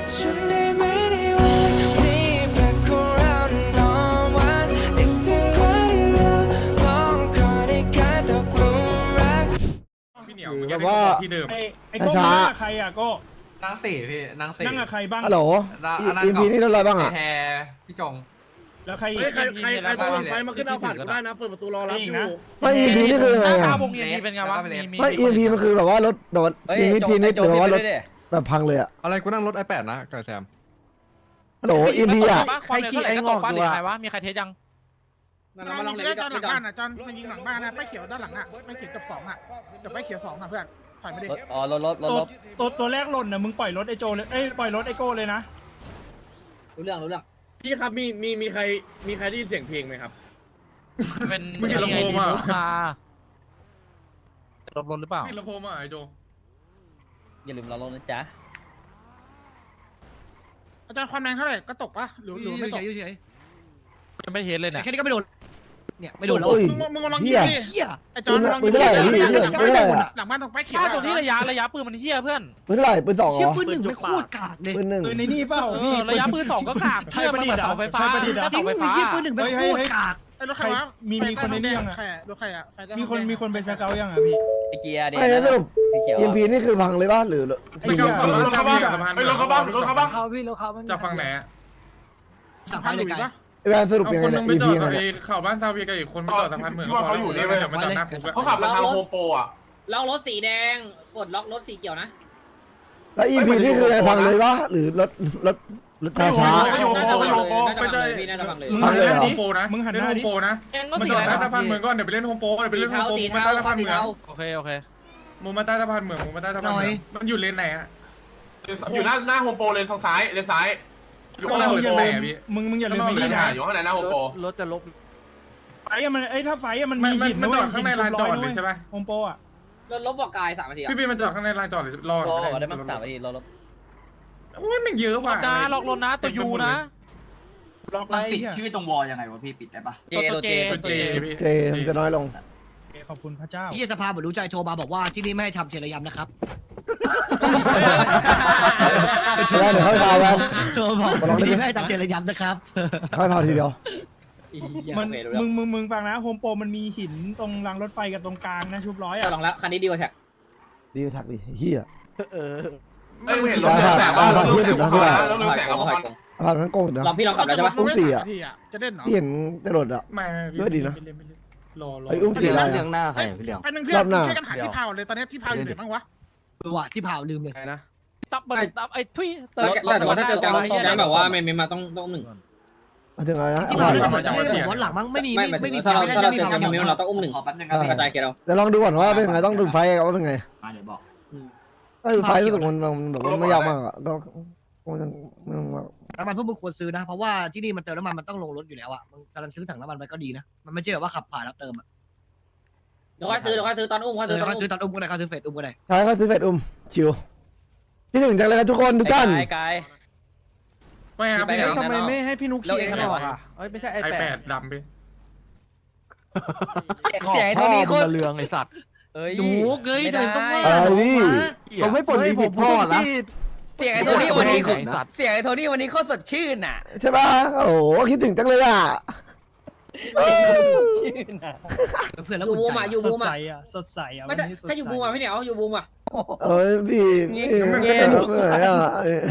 ฉันได้ไหมในวันที่แปลกของเรานั้นหอมหวานนึกถึงวันที่เราสองคนได้กลายตกหลุมรักพี่เหนียวแบบว่าที่เดิมไอ้โก้นั่งกับใครอ่ะโก้นั่งสี่พี่นั่งสี่นั่งกับใครบ้างฮัลโหลอีพีนี่เท่าไรบ้างอ่ะแพรพี่จงแล้วใครอีกใครต้องหลังไฟมาขึ้นเอาผ่านก็ได้นะเปิดประตูรอรับอยู่ไม่อีพีนี่คือไงอ่ะวงเอ็นเป็นไงวะไม่อีพีมันคือแบบว่ารถโดนทีนิดหรือว่ารถแบบพังเลยอ่ะอะไรกูนั่งรถ i8 นะกับแซมฮัลโหลอีพีอ่ะใครขี่ไอ้งอกอยู่ใครวะมีใครเทสยังนั่นเรามาลองเลยจอนหลังบ้านอ่ะจอนมันยิงหลังบ้านนะไปเขียวด้านหลังอ่ะไปเขียวกับสองอ่ะจะไปเขียวสองอ่ะเพื่อนถอยไม่ได้อ๋อรถตัวแรกหล่นนะมึงปล่อยรถไอ้โจเลยปล่อยรถไอ้โก้เลยนะรู้เรื่องพี่ครับมีใครได้ยินเสียงเพลงไหมครับเป็นมึงจะลำโพงอ่ะรถหรือเปล่าพี่ลำโพงอ่ะไอโจอย่าลืมเราลงนะจ๊ะอาจารย์ความแรงเท่าไหร่ก็ตกปะหรือไม่ตกยังไม่เทสเลยเนี่ยแค่นี้ก็ไม่โดนเนี่ยไม่โดนแล้วมึงลองยิเฮีงยดิไอจอนลองยิงหลังบ้านตรงไปเขียวตัวนี้ระยะปืนมันเฮี้ยเพื่อนปืนเท่าไหร่ปืนสองเหรเชี่ยอปืนหนึ่งไม่โคตรกากเลยปืนหนึ่งในนี่เปล่าพี่ระยะปืน2ก็ขาดเชื่อมันเหมือนเสาไฟฟ้าจริงเสาไฟฟ้าเชี่ยปืนหนึ่งไม่โคตรกากไอรถใครวะรถใครอ่ะมีคนไปสเกลยังอ่ะพี่ไอเกียร์เดี๋ยวไม่แล้วสรุปสีเขียวอีพีนี่คือพังเลยป่ะหรือไอ้เหี้ยรถเขาบ้างรถเขาบ้างรถเขาบ้างเขาพี่รถเขาจากฝั่งไหนสั่งไปเลยไกลไอ้แวนสรุปยังไงเนี่ยอีพียังไงข่าวบ้านซาเวียกับอีกคนไม่จอดสะพานเหมือนว่าเขาอยู่นี่ไม่จอดมาจอดหน้าคุกเขาขับมาทางโฮมโปรอ่ะล็อกรถสีแดงปลดล็อกรถสีเขียวนะแล้วอีพีนี่คือไงพังเลยป่ะหรือรถช้าไปเจอพี่น่าจะฟังเลยมึงพัหังนเลยหน้าเหรอดิมึงหันหน้าดิแกงก็มันสีจอดหแดน้าง สะพานเหมือนก่อนเดี๋ยวไปเล่นโฮมโปรเดี๋ยวไปเล่นโฮมโปรสีมันเทาใต้สะพานสีเหมืองเทาโอเคมึงมาใต้สะพานเหมืองมึงมาใต้สะพานเหมืองมันอยู่เลนไหนอ่ะอยู่หน้าโฮมโปรเลนทางซ้ายเลนซ้ายอยู่ข้างหน้าโฮมมึงอโปย่าร ลืมมึงอย่าลืมไอ้นี่นะอยู่ข้างในหน้าโฮมโปรรถจะลบไฟมันถ้าไฟมันมันมีหินจอดข้างในลานจอดเลยใช่ไหมโฮมโปรอ่ะรถลบบอกกาย3 นาทีพี่มันจอดข้างในลานจอดรอได้มั้ง3 นาทีรถโอ้ยมันเยอะว่ะนะล็อกรถนะตัวยูนะล็อกไว้ปิดชื่อตรงวอลยังไงวะพี่ปิดได้ปะตัวเจเจพี่เจมันจะน้อยลงขอบคุณพระเจ้าที่สภาบรรลุใจโทรมาบอกว่าที่นี่ไม่ให้ทำเจริยำนะครับใช่เดี๋ยวค่อยพาแวนโทรบอกที่นี่ไม่ให้ทำเจริยำนะครับค่อยพาทีเดียวมึงฟังนะโฮมโปรมันมีหินตรงรางรถไฟกับตรงกลางนะชุบร้อยจะอ่ะลองแล้วคันนี้ดีกว่าแท็กดีทักดิเฮียเอ้ยเห็นรถเรืองแสงบ้างรถเรืองแสงบ้างรถเรืองแสงบ้างผ่านทั้งกงนะลองพี่ลองขับแล้วใช่ปะอุ้มสี่อ่ะจะเด่นเหรอที่เห็นจะหลดอ่ะไม่ก็ดีนะรอไอ้อุ้มสี่อะไรเรื่องหน้าใครพี่เหลียงไปหนึ่งเพื่อนช่วยกันหาที่พาวเลยตอนนี้ที่พาวอยู่ไหนบ้างวะว่ะที่เผาลืมเลยตับไอ้ทุยแต่ว่าถ้าเจอการแบบว่าไม่มาต้อง1 มาถึงอะไรนะที่เผาลืมผมวันหลังมั้งไม่มีไม่มีถ้าเราไม่มีเจอเผาคิวมิวเราต้องอุ้มขอแป๊บนึง 1กระจายเคเราเดี๋ยวลองดูก่อนว่าเป็นไงต้องดูไฟว่าเป็นไงเดี๋ยวบอกถ้าดูไฟรู้สึกมันแบบไม่ยากมากอ่ะก็มันน้ำมันพวกมึงควรซื้อนะเพราะว่าที่นี่มันเติมน้ำมันมันต้องลงรถอยู่แล้วอ่ะมึงการซื้อถังน้ำมันไปก็ดีนะมันไม่ใช่แบบว่าขับผ่านแล้วเติมอ่ะเดี๋ยวค่อยซื้อตอนอุ้มค่อยเขาซื้ซื้ออตอนอุ้มก็ได้เขาซื้อเฟดอุ้มก็ได้ใช่เขาซื้อเฟดชิวที่ถึงจังเลยครับทุกคนทุกท่านกายไม่ครับพี่เหนียวทำไมไม่ให้พี่นุ๊กขี่ข้างนอกอ่ะไม่ใช่ไอ8ดำพี่เสียงเท่านี้โคตรเรืองไอสัตว์ดูเกยทำไมต้องว่าอะไรพี่ผมไม่ปลดผมพ่อละเสียงไอ้โทนี่วันนี้เสียงไอ้โทนี่วันนี้โคตรสดชื่นอ่ะใช่ป่ะโอ้โหคิดถึงจังเลยอ่ะชื่นอ่ะเพื่อนแล้วยูอุ่นบูมใจอ่ะยูบูมอ่ะสดใสอ่ะไม่ถ้ายูบูมอ่ะพี่เหนียวยูบูมอ่ะเอ้ยพี่ไม่ได้เหนื่อยอ่ะ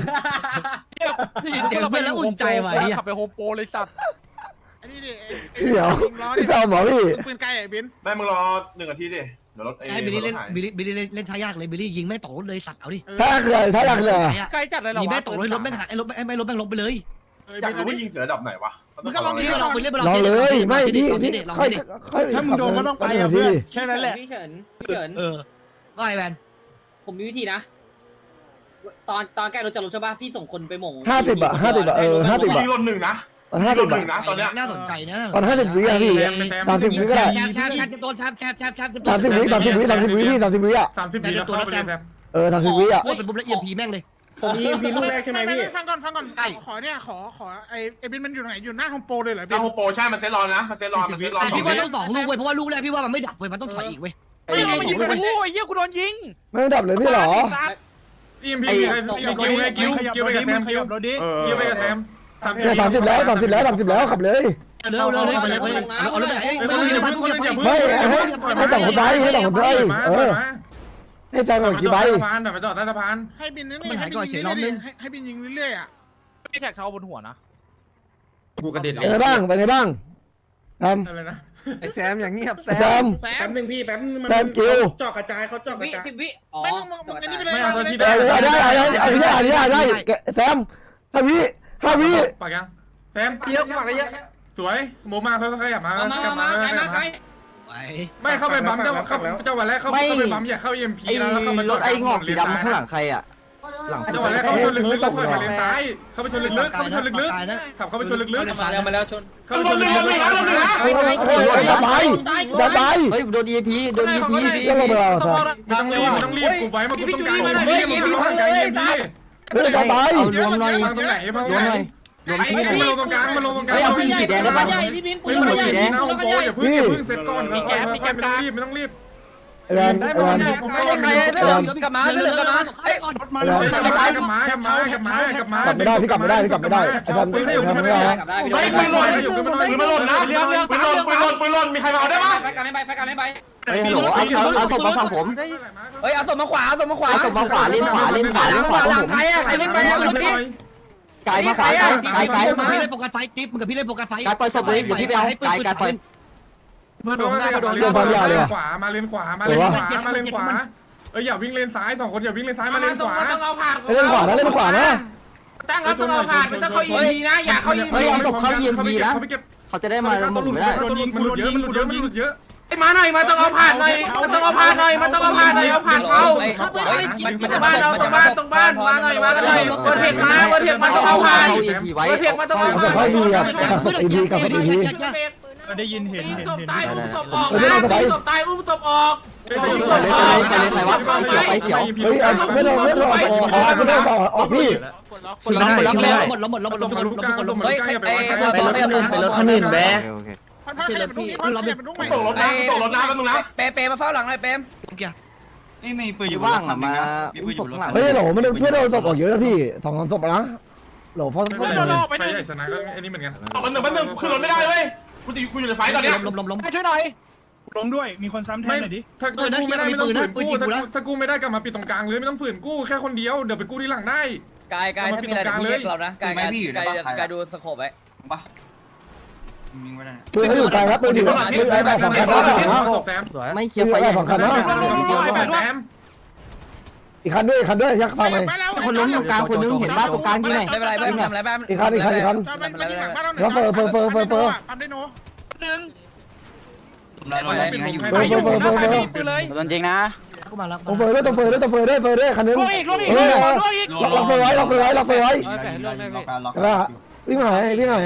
เดี๋ยวเพื่อนแล้วอุ่นใจไว้ขับไปโฮมโปรเลยสัตว์อันนี้ดิเดี๋ยวพี่ตามหมอพี่ปืนไกลไอ้บินได้มึงรอ1 นาทีดิเดี๋ยวรถให้บิลลี่เล่นบิลลี่เล่นช้ายากเลยบิลลี่ยิงแม่ตกรถเลยสัตว์เอาดิถ้าคืออะไรถ้าอยากเลยใกล้จัดเลยหรอยิงแม่ตกรถรถแม่งหายรถไม่รถแม่งลงไปเลยอยากรู้ว่ายิงถึงระดับไหนวะมึงก็ลองยินี่งก็ลองไปเล่นไปลองเลยไม่พี่ลองพี่ดิลองค่อยดิค่อยถ้ามึงโดนก็ต้องไปอ่ะเพื่อนแค่นั้นแหละพี่เฉินว่าไอ้แวนผมมีวิธีนะ ตอนใกล้รถจะลงใช่ป่ะพี่ส่งคนไปหม่ง 50 อ่ะยิงรถ1 นะตอนรถ 50 1 นะตอนเนี้ยน่าสนใจนะตอน50 วิอ่ะพี่30 วิก็ได้แชมโดนแชม 30 วิ30 วิ30 วิพี่30 วิอ่ะ 30 วิแล้วเข้าไปเลยแซม 30 วิอ่ะพูดเป็นปุ๊บแล้วเอียมพีแม่งเลยผมยิงพีลูกแรกใช่ไหมพี่ฟังก่อนขอเนี่ยขอไอ้บินมันอยู่ไหนอยู่หน้าโฮมโปรเลยเหรอหน้าโฮมโปรใช่มันเซ็ตรอนะมันเซ็ตรอแต่พี่ว่าต้อง2 ลูกเว้ยเพราะว่าลูกแรกพี่ว่ามันไม่ดับเว้ยมันต้องถอยอีกเว้ยโอ้ยเหี้ยกูโดนยิงไม่ต้องดับเลยพี่หรอพ EMP ใครกิ้วไปกับแซมขยับรถดิกิ้วไปกับแซมเนี่ย30แล้วขับเลยเร็วเอารถไหนไม่ให้สองคนไปให้สองคนไปให้แซงหน่อยกี่ใบสะพานแบบไปจอดใต้สะพานให้บินนี่ให้บินยิงเรื่อยๆอ่ะพี่แท็กเท้าบนหัวนะกูกระเด็นเป็นไงบ้างทำอะไรนะไอ้แซมอย่างเงียบแซแซมมแซแป๊มบนึงพี่แป๊บนึงแซมกิ้วเจาะกระจายเขาเจาะกระจาย 10 วิอ๋อไม่มึงอันนี้ไปเลยไม่เอาตัวที่ได้แซม5 วิปากยังแซมเยอะปากเยอะสวยโมมาค่อยๆขยับมามาไกลไม่เข้าไปบัมจังหวะแรกเข้าไปบัมอย่าเข้า EMP แล้วเข้ามาจอดไอ้งอกสีดำข้างหลังใครอ่ะจังหวะแรกเข้าไปชนลึกๆแล้วถอยมาเลนซ้ายเข้าไปชนลึกๆขับเข้าไปชนลึกๆมาแล้วชนเข้าไปชนลึกๆจะตายเฮ้ยโดน EMP โดน EMP ยังลงไปแล้วไม่ต้องรีบกูไว้มากูต้องการEMP จะตายเอารวมหน่อยตรงไหนรวมหน่อยรวมที่หน่อยมาลงตรงกลางมาลงตรงกลางใหญ่พี่บินไม่ต้องสีแดงนะโอ้โหอย่าเพิ่งเสร็จก่อนไม่ต้องรีบไอ้แวนไอ้แวนกลับมาเรื่องกลับมารถมารถกลับมากลับมากลับมากลับมากลับไม่ได้พี่กลับไม่ได้ไอ้แวนไม่ได้ไม่ปืนหล่นปืนหล่นนะปืนหล่นมีใครมาเอาได้ปะไฟกันไปเฮ้ยฮัลโหลเอาศพมาฝั่งผมเฮ้ยเอาศพมาขวาเอาศพมาขวาเอาศพมาขวาเล่นขวาหลังใครอ่ะใครเล่นไปอ่ะรถดิกายมาขวากายมึงกับพี่เล่นโฟกัสไฟติ๊บมึงกับพี่เล่นโฟกัสไฟกายปล่อยศพเลยเดี๋ยวพี่ไปเอากายปล่อยขวามาเลนขวามาเลนขวามาเลนขวาอย่าวิ่งเลนซ้าย2คนอย่าวิ่งเลนซ้ายมาเลนขวาต้องเอาผ่านเล่นขวานะตั้งแล้วต้องเอาผ่านไม่ต้องเข้าอีพีนะอย่าเข้าอีเฮ้ยพีเอาศพเข้า EMP นะเขาจะได้มาหมุนไม่ได้โดนยิงกูโดนยิงกูโดนยิงเยอะไอ้มาหน่อยมาต้องเอาผ่านหน่อยมันต้องเอาผ่านหน่อยมันต้องเอาผ่านหน่อยเอาผ่านเข้าบ้านเอาตรงบ้านมาหน่อยมากันหน่อยเวอร์เทคมาต้องเอาผ่าน EMP ไว้เวอร์เทคมาต้องเอาเอาผ่านให้มีอ่ะอีพีกับอีพีได้ยินเห็นศพตายอุ้มศพออกนะศพตายอุ้มศพออกเฮ้ยไม่ต้องออกพี่หมดแล้วเฮ้ยไปรถคันอื่นแบพันให้มันลุกใหม่ตกรถน้ำแป๊บนึงนะเปมาเฝ้าหลังเลยเปมนี่มีปืนอยู่ว่างอ่ะมาศพหลังเฮ้ยโหลมันเพื่อนเราศพออกเยอะนะพี่2-3ศพนะโหลเพราะไปใหญ่ชนะก็ไอ้นี่เหมือนกันมันหนึ่งขึ้นรถไม่ได้เว้ยกูอยู่ในไฟตอนเนี้ยล้มช่วยหน่อยล้มด้วยมีคนซ้ำแทนหน่อยดิถ้ากู้ไม่ได้ไม่ต้องฝืนกู้ถ้ากู้ไม่ได้กลับมาปิดตรงกลางเลยไม่ต้องฝืนกู้แค่คนเดียวเดี๋ยวไปกู้ที่หลังได้กายถ้ามีอะไรเรียกเรานะกายดูสโคปไว้ปะยิงไว้ได้ปืนเขาอยู่ไกลครับปืนอยู่ไอ้แบบ2 คันนะแซมไม่เคลียร์ไปอย่างแซมอีกคันด้วยยักษ์ฟังไหมคนล้มตรงกลางคนนึงเห็นบ้านตรงกลางยี่ไหนไม่เป็นไรไม่ทำอะไรบ้างอีกคันปั๊มได้โนหนึ่งปืนเลยโดนจริงนะกูมาแล้วต้องเฟยด้วยคันนึงล่วงอีกล็อกเฟยไว้วิ่งหาเฟยหน่อย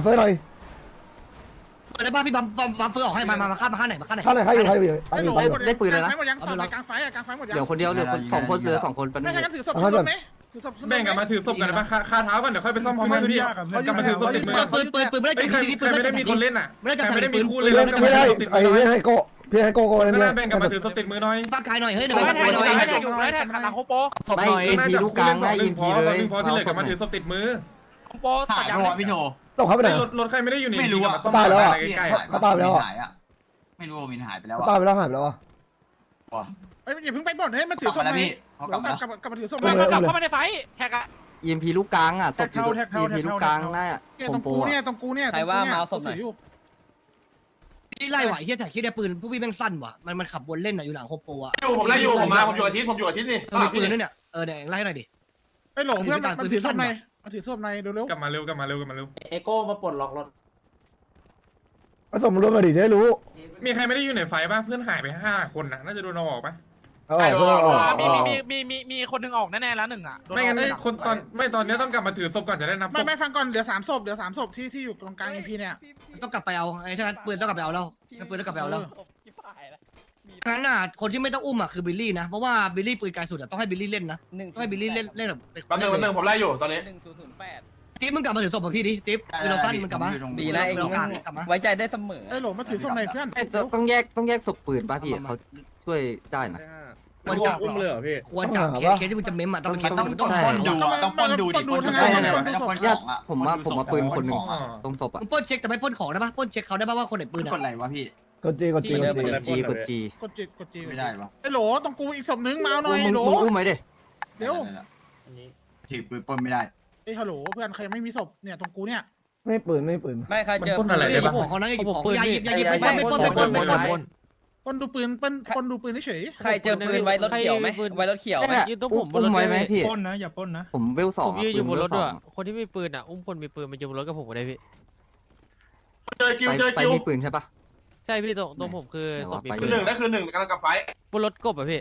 ได้ป่ะพี่บัมเฟอร์ออกให้มาข้ามมาข้างไหนข้างไหนใครอยู่กลางไฟหมดได้ปืนแล้วนะกลางไฟหมดเหลือคนเดียวเหลือ2 คนเหลือ2 คนเป็นไม่ใช่กันถือศพไหมถือศพแบ่งกันมาถือศพกันนะคาเท้ากันเดี๋ยวค่อยไปซ่อมพร้อมกันพี่กลับมาถือศพติดมือปืนไม่ได้ใครไม่ได้มีคนเล่นอ่ะไม่ได้จับไม่ได้มีคู่ไม่เล่นได้ไอ้พี่ให้โก้เล่นแบ่งกันมาถือศพติดมือหน่อยปากกายหน่อยเฮ้ยเดี๋ยวไม่ปากกายหน่อยแท็กหลังโฮโปไม่ EMP ลูกกลางนะ EMP เลยพอที่เหลือกลับมาถือศพติดมือโฮโปถ่ายรอพี่โถตกเขาไปไหนรถใครไม่ได้อยู่นี่ไม่รู้อ่ะใกล้ไม่รู้ว่าวินหายไปแล้วตายไปแล้วหายไปแล้วอ่ะเอ้ยอย่าเพิ่งไปบ่นให้มันถือศพไหมกลับมาถือศพกลับเข้ามาในไฟแท็กอะ EMP ลูกกลางอ่ะศพอยู่ EMP ลูกกลางน่าตรงกูเนี่ยตรงกูเนี่ยพี่ไล่ไหวเฮียถ่ายคิดได้ปืนผู้พี่แม่งสั้นว่ะมันขับวนเล่นอยู่หลังโฮโปอ่ะผมไล่อยู่ผมอยู่อาทิตย์นี่ทำไมปืนเนี่ยเนี่ยไล่หน่อยดิไอ้หลงเพื่อนมันถือศพในถือศพในเร็วกลับมาเร็วเอโก้มาปลดล็อกรถผสมรวมมาดิจะได้รู้มีใครไม่ได้อยู่ในไฟป่ะเพื่อนหายไป5 คนน่าจะโดนเอาออกป่ะมีคนหนึ่งออกแน่ๆแล้วหนึ่งอ่ะไม่งั้นคนตอนนี้ต้องกลับมาถือศพก่อนจะได้นับศพไม่ฟังก่อนเดี๋ยว3 ศพที่อยู่ตรงกลาง EP เนี่ยต้องกลับไปเอาไอ้ฉะนั้นปืนต้องกลับไปเอาแล้วปืนต้องกลับไปเอาแล้วงั้นอ่ะคนที่ไม่ต้องอุ้มอ่ะคือบิลลี่นะเพราะว่าบิลลี่ปืนไกลสุดอ่ะต้องให้บิลลี่เล่นนะต้องให้บิลลี่เล่นแบบแป๊บนึงผมไล่อยู่ตอนนี้ติ๊บมึงกลับมาถือศพกับพี่ดิติ๊บคือเราสั้นมึงกลับมาดีนะเองกลับมาไว้ใจได้เสมอไอ้หลงมาถือศพในเพื่อนต้องแยกศพปืนป่ะพี่เขาช่วยได้นะควรจับอุ้มเลยเหรอพี่ควรจับเคสที่มึงจะเม้มอ่ะต้องเป็นเคสต้องป้นดูอ่ะต้องป้นดูดิป้นดูไม่ต้องป้นของอ่ะผมมาปืนคนหนึ่งตรงศพอ่ะมึงปล้นเช็คแต่ไม่ปล้นของได้ปะปล้นเช็คเขาได้ปะว่าคนไหนปืนกอ่ะดอะไรวะพี่กดจีกดจีกดจีกดจีกดจีกดจีไม่ได้วะไอ้โหลต้องกูอีกศพนึงมาเอาหน่อยมึงโหลอุ้มไหมดิเดี๋ยวถือปืนป้นไม่ได้ไอ้ฮัลโหลเพื่อนใครไม่มีศพเนี่ยตรงกูเนี่ยไม่ปืนไม่ปืนไม่ใครเจอมันปล้นอะไรได้ปะของเขานะอย่าหยิบของอย่าหยิบไม่ปล้นไม่ปล้นไม่ปล้นปนดูปืนปนดูปืนเฉยใครเจอปืนไว้รถเขียวไหมไว้รถเขียวไหมยืนตรงผมอุ้มไว้ไหมพี่ปนนะอย่าปนนะผมเวลสองยืนอยู่บนรถด้วยคนที่มีปืนอ่ะอุ้มคนมีปืนมาอยู่บนรถกับผมก็ได้พี่เจอคิวเจอไปคิวมีปืนใช่ปะใช่พี่ตรงผมคือศพมีคืปือน หนึ่งได้คือหนึ่งกำลังกับไฟบนรถกบอ่ะพี่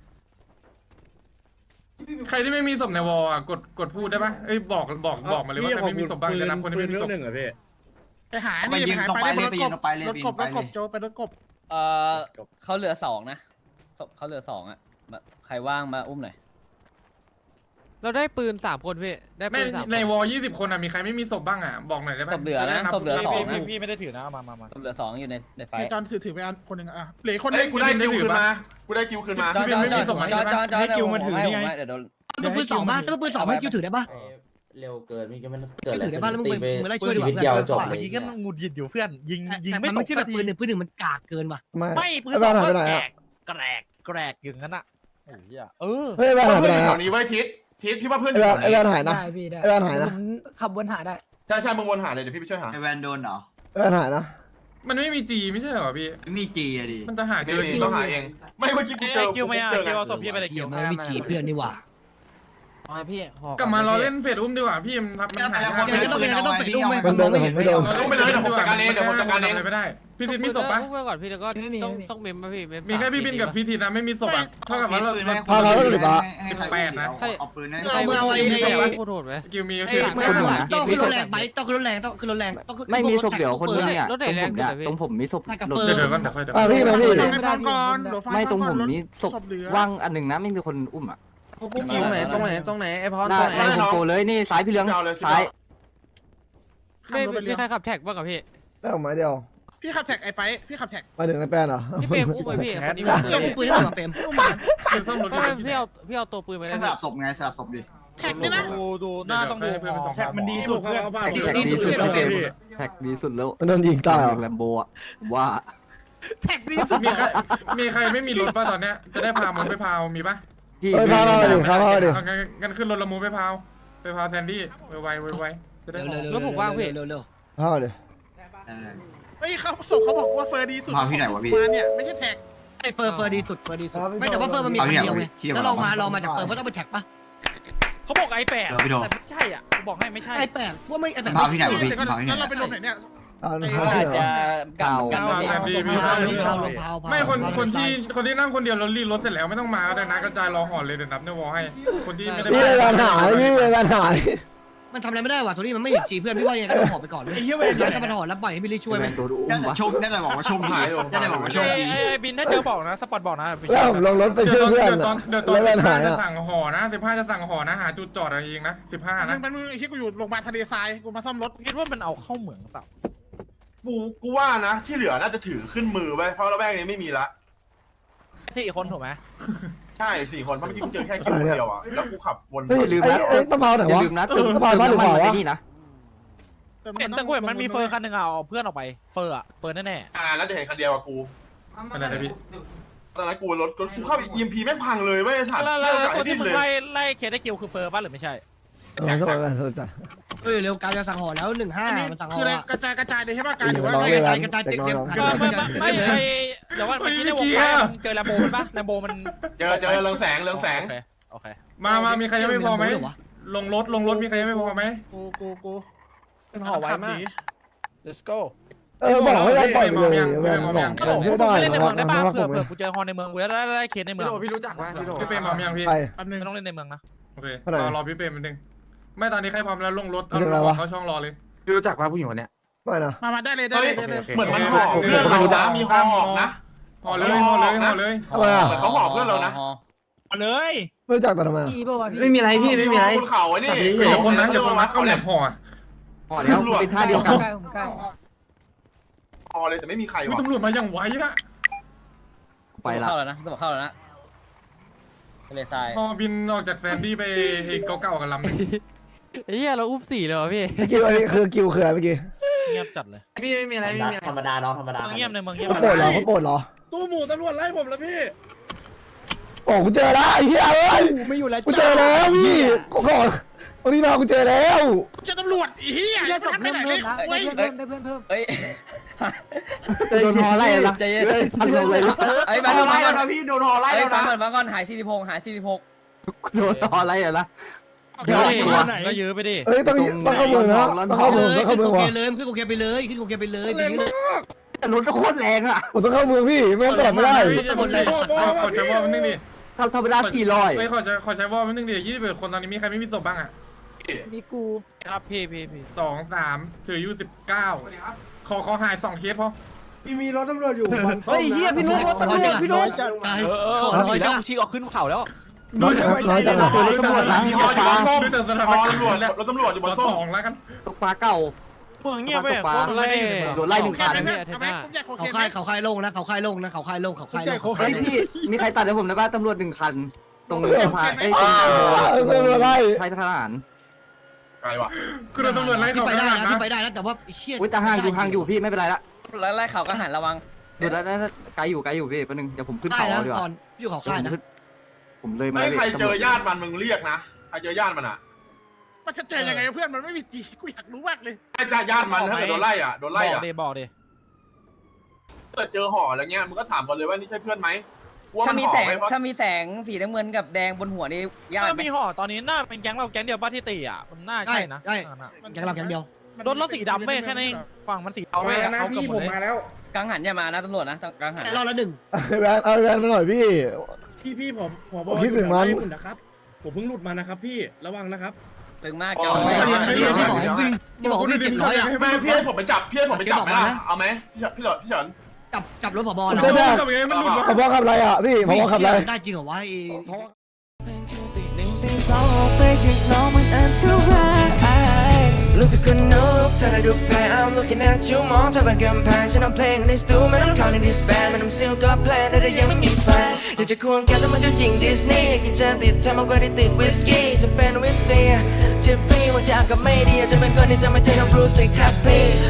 ใครที่ไม่มีศพในวอลอ่ะกดพูดได้ปะเอ้ยบอกมาเลยว่าใครไม่มีศพบ้างจะนับคนที่ไม่มีศพหนึ่งเหรอพี่ไปหานี่ไปหาไปรถกบรถกบโจไปรถกบเขาเหลือ2นะศพเขาเหลือ2อ่ะใครว่างมาอุ้มหน่อยเราได้ปืน3คนพี่ได้ไม่ปืน3 ในวอล20 คนอ่ะมีใครไม่มีศพบ้างอ่ะบอกหน่อยได้ปะศพเหลือนะศพเหลือ2นะพี่ไม่ได้ถือนะมาศพเหลือ2อยู่ในไฟจอนถือไปอันคนหนึ่งอ่ะเหลือคนนึเฮ้ยงกูได้คิวคืนมากูได้คิวคืนมาจอนเดี๋ยวโดนมึงปืน2ป่ะถ้ามึงปืน2ให้คิวถือได้ป่ะเร็วเกินนี่ก็ไม่ถือได้ป่ะแล้วมึงมึงไล่ช่วยดีกว่าเพื่อนยิงกันหงุดหงิดอยู่เพื่อนยิงมันไม่ใช่แบบปืน1ปืน1มันกากเกินว่ะไม่ปืนสองก็แกรกอย่างนั้นอ่ะเฮ้ยบ้านหายไปไหนแถอ่ะวนี้ไว้ทิศที่ว่าเพื่อนไอ้บ้านหายนะไอ้บ้านหายนะขับวนหาได้ใช่มึงวนหาเลยเดี๋ยวพี่ไปช่วยหาไอแวนโดนเหรอไอ้บ้านหายนะมันไม่มีจีไม่ใช่เหรอพี่มีจีอะดิมันจะหาเจเดี๋ยวอจีต้องหาเองไม่เมื่อกี้กูเจอคิวไม่เจอเอาศพพี่ไปเลยเกี่ยวมันไม่จีเพื่อนนี่หว่าพี่กลับมารอเล่นเฟดอุ้มดีกว่าพี่มันหายมันโดนแต่ผมไม่โดนต้องไปเลยเดี๋ยวผมจัดการเองเดี๋ยวผมจัดการเองไม่ได้พี่ทิศมีศพปะอุ้มไปก่อนพี่แล้วก็ต้องเมมป่ะพี่มีแค่พี่บินกับพี่ทิศนะไม่มีศพอ่ะเท่ากับว่าเราเอาปืนให้โคตรโหดไหมกิวมีต้องขึ้นรถแรงไปต้องขึ้นรถแรงต้องขึ้นรถแรงต้องขึ้นไม่มีศพเดี๋ยวคนนึงเนี่ยตรงผมมีศพเดี๋ยวก่อนเดี๋ยวค่อยพี่มาพี่ไม่ตรงผมมีศพว่างอันหนึ่งนะไม่มีคนอุ้มอ่ะตรงไหนไอ้พรหน้าโกเลยนี่ซ้ายพี่เลี้ยงซ้ายไม่มีใครขับแท็กบ้างกับพี่ได้ออกมาเดียวพี่ขับแท็กไอ้ไปพี่ขับแท็กมาถึงไอ้แป้นเหรอพี่เปรมอุ้มไปพี่คนนี้เราปืนได้หมดเปรมเป็นซ่อมรถพี่เอาตัวปืนไปได้สลับศพไงสลับศพดิแท็กนี่นะดูหน้าต้องดูแท็กมันดีสุดเพื่อนแท็กดีสุดแล้วแท็กดีสุดแล้วมันโดนยิงตายเหรอแลมโบอ่ะว่าแท็กดีสุดมีใครไม่มีรถป่ะตอนเนี้ยจะได้พามันไปพาวมีป่ะเฮ้ยพาดิงั้นขึ้นรถละมูไปพาวแทนดี้ไวจะได้เร็วเร็วพาดิเฮ้ยเขาส่งเขาบอกว่าเฟอร์ดีสุดมาเนี่ยไม่ใช่แท็กไอ้เฟอร์ดีสุดไม่แต่ว่าเฟอร์มันมีคนเดียวไงแล้วลองมาจากเฟอร์เพราะต้องไปแท็กป่ะเขาบอกไอ้แปดแต่ไม่ใช่อ่ะบอกให้ไม่ใช่ไอ้แปดว่าไม่ไอ้แปดมาที่ไหนวะพี่แล้วเราไปลงไหนเนี่ยอาจจะกลับกันไม่คนที่นั่งคนเดียวรถรีรถเสร็จแล้วไม่ต้องมาแต่นะกระจายรอห่อเลยเดี๋ยวนับในวอให้คนที่ไม่ได้พี่ปัญหาพี่ปัญหามันทำอะไรไม่ได้ว่ะโทนี่มันไม่เห็นจีเพื่อนพี่ว่ายังไงก็ต้องขอไปก่อนเลยแล้วถ้ามันถอดแล้วปล่อยให้บิลลี่ช่วยไหมชมได้เลยบอกว่าชมดีได้เลยบอกว่าชมดีบินถ้าเจอบอกนะสปอร์ตบอกนะแล้วผมลงรถไปช่วยเพื่อนเดี๋ยวตอน15จะสั่งห่อนะ15จะสั่งห่อนะหาจุดจอดอะไรเองนะ15นะมันไอ้ที่กูอยู่โรงพยาบาลทะเลทรายกูมาซ่อมรถคิดว่ามันเอาเข้าเหมืองเปล่ากูว่านะที่เหลือน่าจะถือขึ้นมือไว้เพราะระแวกนี้ไม่มีละ 4 คนถูกไหมใช่4 คนเพราะเมื่อกี้กูเจอแค่คิวเดียวอ่ะแล้วกูขับวนเฮ้ยลืมนะต้องเผาไหนวะอย่าลืมนะต้องเผาบ้านหรือเปล่าวะนี่นะแต่กูเห็นมันมีเฟอร์คันหนึ่งเอาเพื่อนออกไปเฟอร์อะเฟอร์แน่แล้วจะเห็นคันเดียวกับกูอะไรนะพี่ตอนนั้นกูรถกูเข้า EMP แม่งพังเลยเว้ยไอ้สัตว์แล้วตัวที่มึงไล่เคสได้คิวคือเฟอร์ป่ะหรือไม่ใช่ต้องไปสนใจเร็วการจะสั่งห่อแล้ว15มันสั่งห่อคืออะไรกระจายเลยใช่ป่ะการหรือว่ากระจายเต็มไม่เดี๋ยวว่าเมื่อกี้ในวงเจอแลมโบมันป่ะแลมโบมันเจอเรืองแสงโอเคมามีใครยังไม่พอไหมลงรถมีใครยังไม่พอไหมกูเป็นห่อไว้มาก let's go บอกให้ได้ปล่อยไปเลยแวนบอกช่วยได้เล่นในเมืองได้ป่ะผมเผื่อกูเจอฮอนในเมืองกูจะได้เคสในเมืองพี่รู้จักไหมพี่เปรมพร้อมยังพี่ไปแป๊บนึงไม่ต้องเล่นในเมืองนะโอเครอพี่เปรมนิดนึงไม่ตอนนี้ใครพร้อมแล้วลงรถเอาเขาช่องรอเลยพี่รู้จักป่ะผู้หญิงคนเนี้ยไม่นะมาได้เลยเหมือนมันห่อเพื่อนเรานะมีห่อนะห่อเลยทำไมอ่ะเหมือนเขาห่อเพื่อนเรานะมาเลยไม่รู้จักแต่ทำไมไม่มีอะไรพี่ไม่มีอะไรบนเขาไอ้นี่อย่าคนนะเขาแหลมห่อ ห่อแล้วเป็นท่าเดียวกันห่อเลยแต่ไม่มีใครวะตำรวจมาอย่างไวนะไปละเข้าแล้วนะต้องเข้าแล้วนะทะเลทรายพอบินออกจากแซนดี้ไปเก่าๆกับลำนึงไอ้เหี้ยเราอุ้ม4เลยว่ะพี่กิวอันนี้คือกิวคืออะไรเมื่อกี้เงียบจัดเลยพี่ไม่มีอะไรไม่มีอะไรธรรมดาน้องธรรมดาเงียบเลยมึงเงียบเขาโปรดเหรอเขาโปรดเหรอตู้หมูตำรวจไล่ผมแล้วพี่โอ้กูเจอแล้วไอ้เหี้ยเอ้ยไม่อยู่แล้วกูเจอแล้วพี่กูก่อนวันนี้มากูเจอแล้วจะตำรวจอีเหี้ยได้ศพเพิ่มนะได้เพิ่มเอ้ยโดนฮอไล่แล้วใจเย็นทันลงเลยไอ้โดนไล่แล้วนะพี่โดนหอไล่ไอ้แล้วฟันะงก่อนหาย46หาย46 โดนฮอไล่แล้วก็ยื้อไปดิเอ้ยต้องเข้าเมืองนะต้องเข้าเมืองต้องเข้าเมืองโอว่ะเคเลยขึ้นโอเคไปเลยขึ้นโอเคไปเลยอย่างนี้เลยแต่รถก็โคตรแรงอ่ะผมต้องเข้าเมืองพี่ไม่งั้นตลอดไม่ได้ขอใช้วอลนิดนึงดิธรรมดา400 ไม่ขอใช้วอลนิดนึงดิ21คนตอนนี้มีใครไม่มีศพบ้างอ่ะมีกูครับพี่ 2 3ถืออยู่19ขอหาย2เคสพอมีรถตำรวจอยู่เฮ้ยเฮียพี่นุ๊กรถตำรวจพี่นุ๊กน้อยแล้วชี้ออกขึ้นเขาแล้วน้อยจังรถตำรวจนะมีฮออยู่บนส้มดูแต่สถานฮอการณ์ตำรวจรถตำรวจอยู่บนส้ม 2แล้วกันตกปลาเก่าเมืองเงียบไปโดนไล่1คันเขาค่ายโล่งนะเขาค่ายโล่งนะเขาค่ายโล่งเขาค่ายโล่งเฮ้ยพี่มีใครตัดให้ผมได้ป่ะตำรวจ1คันตรงสะพานไอ้ตรงไล่ไทยทหารไกลว่ะคือเราตำรวจไล่ขึ้เขานไปได้ได้นะนะขึ้นไปได้นะแต่ว่าเชี่ยอุ้ยแต่ห่างอยู่พี่ไม่เป็นไรละแล้วไล่เขาก็หันระวังดูแล้วไกลอยู่พี่แป๊บนึงเดี๋ยวผมขึ้นค่ายเขานะดีกว่าก่อนอยู่เขาค่ายนะผมเลยมาไม่ใครเจอญาติมันมึงเรียกนะใครเจอญาติมันอ่ะมันจะเจอยังไงเพื่อนมันไม่มีจีกูอยากรู้มากเลยไอ้ญาติมันถ้าเกิดโดนไล่อ่ะโดนไล่อ่ะบอกดิเกิดเจอห่ออะไรเงี้ยมึงก็ถามก่อนเลยว่านี่ใช่เพื่อนไหมถ้ามีแสงสีน้ำเงินกับแดงบนหัวนี่ยากถ้าไหมมีห่อตอนนี้น่าเป็นแก๊งเราแก๊งเดียวป้าที่ตีอ่ะมันน่าใช่ใช่นะใช่แกงเราแกงเดียวรถสีดำไม่แค่นั้นฝั่งมันสีเทาเอาแล้วนะพี่ผมมาแล้วกังหันอย่ามานะตำรวจนะกังหันรอบละหนึ่งแวนเอาแวนมาหน่อยพี่พี่ผมคิดถึงมันนะครับผมเพิ่งหลุดมานะครับพี่ระวังนะครับตึงมากอ๋จออที่บอกวิ่ง700อ่ะไม่เพื่อนผมไปจับไหมล่ะเอาไหมพี่เฉินจับรถผบก็ได้มันหลุดมาผบขับอะไรอ่ะพี่ผบขับอะไรได้จริงเหรอวะตีหนึ่งตีสองออกไปข้างนอกมันอันตรายลูกจะคนนกเธอได้ดูแพ้ I'm looking at you มองเธอเป็นกำแพงฉันเอาเพลงในสตูไม่ต้องเข้าในดิสแบนไม่ต้องซิลก็แพลนแต่ยังไม่มีแฟนอยากจะควงแกแต่มันก็ยิงดิสนีย์กินเจนติดเธอมากกว่าที่ติดวิสกี้จะเป็นวิสเซียที่ฟรีวันที่อากาศไม่ดีจะเป็นคนที่จะไม่ใช่น้องบรูซสิครับพี่